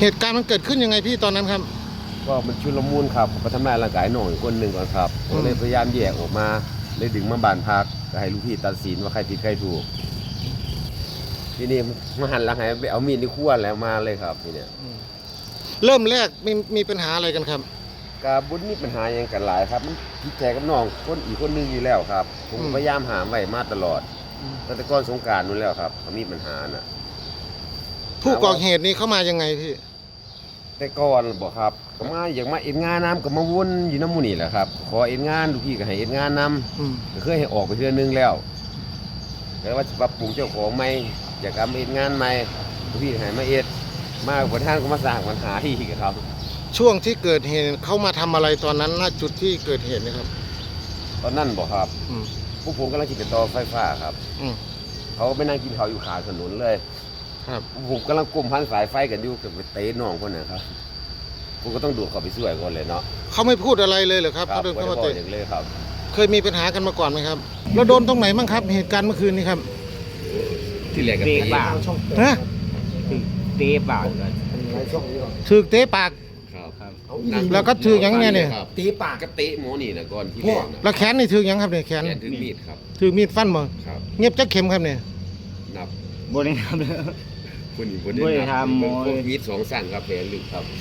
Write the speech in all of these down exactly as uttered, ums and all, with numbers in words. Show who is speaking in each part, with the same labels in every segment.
Speaker 1: เหตุการณ์มันเกิดขึ้นยังไงพี่ตอนนั้นครับ
Speaker 2: ก็มันชุลมุนครับมาทำลายร่างกายน้องอีกคนหนึ่งก่อนครับผมเลยพยายามแยกออกมาเลยดึงมาบ้านพักก็ให้ลูกพี่ตัดสินว่าใครผิดใครถูกทีนี้มาหันหลังให้ไปเอามีดที่ขั้วแล้วมาเลยครับทีเนี้ย
Speaker 1: เริ่มแรกมีมีปัญหาอะไรกันครับ
Speaker 2: กาบุญมีปัญหาอย่างกันหลายครับมันผิดใจกับน้องคนอีกคนนึงอยู่แล้วครับผมพยายามหาไว้มาตลอดตั้งแต่ก่อนสงกรานต์นู้นแล้วครับเขามีปัญหาน่ะ
Speaker 1: ผู้ก่อเหตุนี้เข้ามายังไงพี่
Speaker 2: แต่ก่อนบอกครับก็มาอยากมาเอ็นงานน้ำก็มาวนอยู่น้ำมูนี่แหละครับขอเอ็นงานลูกพี่ก็ให้เอ็นงานนำก็เคยให้ออกไปเทื่อนึงแล้วแต่ว่าจะปรับปรุงเจ้าของใหม่อยากทำเอ็นงานใหม่ลูกพี่ให้มาเอ็ดมาบนท่านก็มาสร้างปัญหาที่กับเขา
Speaker 1: ช่วงที่เกิดเหตุเขามาทำอะไรตอนนั้นณจุดที่เกิดเหตุนะครับ
Speaker 2: ตอนนั้นบอกครับพวกผมกำลังคิดจะต่อไฟฟ้าครับเขาไปนั่งกินข้าวอยู่ขาถนนเลยครับผมกำลังกลุ่มพันสายไฟกันอยู่กับเตะน้องคนนั้นครับผมก็ต้องดูเขาไปช่วยก่อนเลยเนาะ
Speaker 1: เขาไม่พูดอะไรเลยเหรอครับเขาเดินเข้ามาเตะ
Speaker 2: เลยครับ
Speaker 1: เคยมีปัญหากันมาก่อนไหมครับแล้วโดนตรงไหนบ้างครับเหตุการณ์เมื่อคืนนี้ครับ
Speaker 2: ที่เหลือกันเตะปาก
Speaker 1: ฮะ
Speaker 3: เตะปาก
Speaker 1: ถือเตะปากแล้วก็ถือยังไงเนี่ย
Speaker 2: เตะปากก็เตะหมอนี่นะก่อนที่แรก
Speaker 1: แล้วแขนนี่ถือยังครับเนี่ยแขน
Speaker 2: ถือมีดครับ
Speaker 1: ถือมีดฟันมั้งเงียบจักเข็มครับเนี่ย
Speaker 2: นั
Speaker 3: บบริหาร
Speaker 2: คนอีกคนนึงครับมีดสองสั่งครับแผลลึกครับ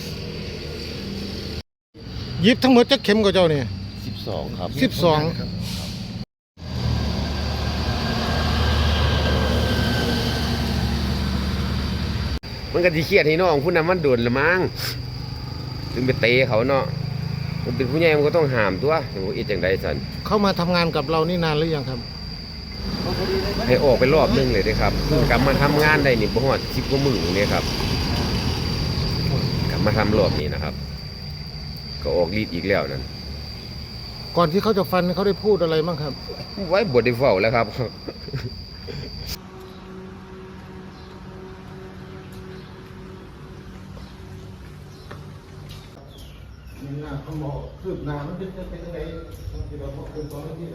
Speaker 1: ยิบทั้งหมดจักเข็มกับเจ้าเนี่ย
Speaker 2: สิบสองครับ
Speaker 1: สิบสอง
Speaker 2: มันก็ที่เครียดให้น้องผู้นั้นมันโดนละมั้งถึงไปเตะเขาเนาะมันเป็นผู้ใหญ่มันก็ต้องห้ามตัวอย่างว่าอีจังไดสัน
Speaker 1: เขามาทำงานกับเรานี่นานหรือยังครับ
Speaker 2: ให้ออกไปรอบนึงเลยนะครับกลับมาทำงานได้นี่บ่ฮอดสิบกว่ามื้อนี่ครับกลับมาทำรอบนี้นะครับก็ออกฤทธิ์อีกแล้วนั่น
Speaker 1: ก่อนที่เขาจะฟันเขาได้พูดอะไรบ้างครับ
Speaker 2: ไว้บทได้เฝ้าแล้วครับ
Speaker 1: นี่นะเขาบอกคืบหน้ามันเป็นเป็นยังไงที่เราบอกเป็นตอนที่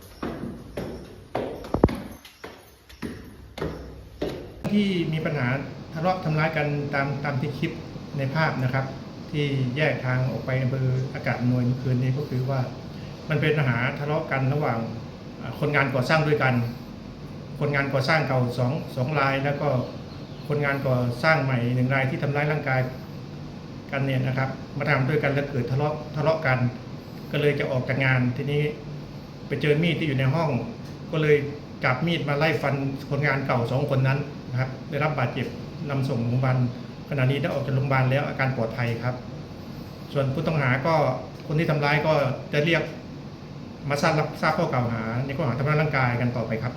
Speaker 4: ที่มีปัญหาทะเลาะทำร้ายกันตามตามที่คลิปในภาพนะครับที่แยกทางออกไปอำเภออากาศอำนวยเมื่อคืนนี้ก็คือว่ามันเป็นปัญหาทะเลาะกันระหว่างคนงานก่อสร้างด้วยกันคนงานก่อสร้างเก่าสองสองรายแล้วก็คนงานก่อสร้างใหม่หนึ่งรายที่ทำร้ายร่างกายกันเนี่ยนะครับมาทำด้วยกันแล้วเกิดทะเลาะทะเลาะกันก็เลยจะออกจากงานทีนี้ไปเจอมีดที่อยู่ในห้องก็เลยจับมีดมาไล่ฟันคนงานเก่าสองคนนั้นนะครับได้รับบาดเจ็บนำส่งโรงพยาบาลขณะนี้ได้ออกจากโรงพยาบาลแล้วอาการปลอดภัยครับส่วนผู้ต้องหาก็คนที่ทำร้ายก็จะเรียกมาทราบรับทราบข้อกล่าวหาในข้อหาทำร้ายร่างกายกันต่อไปครับ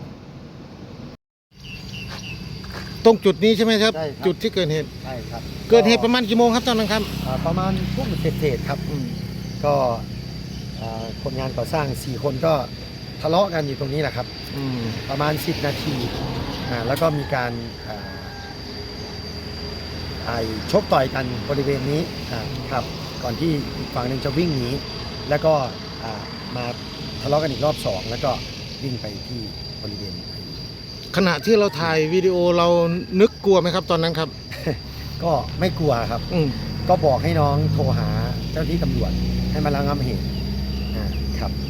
Speaker 1: ตรงจุดนี้ใช่ไหมครับจุดที่เกิดเหตุ
Speaker 5: ใช่ครับ
Speaker 1: เกิดเหตุประมาณกี่โมงครับตอนนั้นครับ
Speaker 5: ประมาณทุ่มเศษๆครับก็คนงานก่อสร้างสี่คนก็ทะเลาะกันอยู่ตรงนี้แหละครับประมาณสิบนาทีแล้วก็มีการชกต่อยกันบริเวณนี้ครับก่อนที่อีกฝั่งหนึ่งจะวิ่งหนีแล้วก็มาทะเลาะกันอีกรอบสองแล้วก็วิ่งไปที่บริเวณ
Speaker 1: ขณะที่เราถ่ายวิดีโอเรานึกกลัวไหมครับตอนนั้นครับ
Speaker 5: ก็ไม่กลัวครับก็บอกให้น้องโทรหาเจ้าที่ตำรวจให้มาระงับเหตุครับ